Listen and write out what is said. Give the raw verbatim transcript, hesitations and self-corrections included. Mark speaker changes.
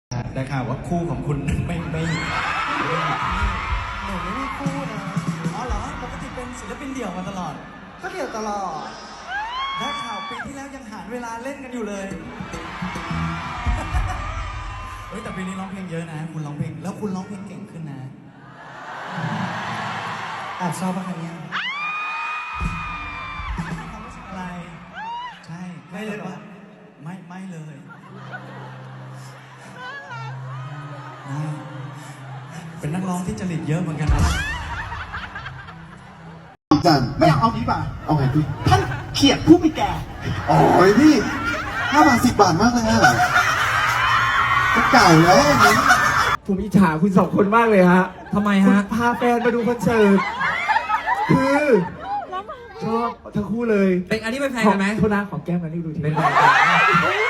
Speaker 1: ได้ข่าวว่าคู่ของคุณไม่ไม่
Speaker 2: หนูไม่มีคู่นะอ๋อเหรอปกติเป็นศิลปินเดี่ยวมาตลอดก็เดี่ยวตลอดได้ข่าวปีที่แล้วยังหาเวลาเล่นกันอยู่เลยเฮ้ยแต่ปีนี้ร้องเพลงเยอะนะคุณร้องเพลงแล้วคุณร้องเพลงเก่งขึ้นนะแอบชอบปะคะเนี่ยความรู้สึกอะไรใช่ไม่เลยปะไม่ไม่เลยเป็นนักร้องที่จริตเยอะเหมือนกันนะ
Speaker 3: จัน
Speaker 2: ไม่อยากเอานี้ป่ะ
Speaker 3: เอาไงพี่
Speaker 2: ท่านเขียดผู้มีแก่
Speaker 3: โอ้ยพี่ห้าบาทสิบบาทมากเลยอะก็เก่าแล้วนี่
Speaker 4: ผมอิจฉาคุณสองคนมากเลยฮะ
Speaker 1: ทำไมฮะ
Speaker 4: พาแฟนมาดูคอนเสิร์ตคือชอบทั้งคู่เลย
Speaker 1: เป็นอันนี้เป็นแฟนกันไหม
Speaker 4: โทษนะของแก้มกันนี่ดูทีเป็นแฟน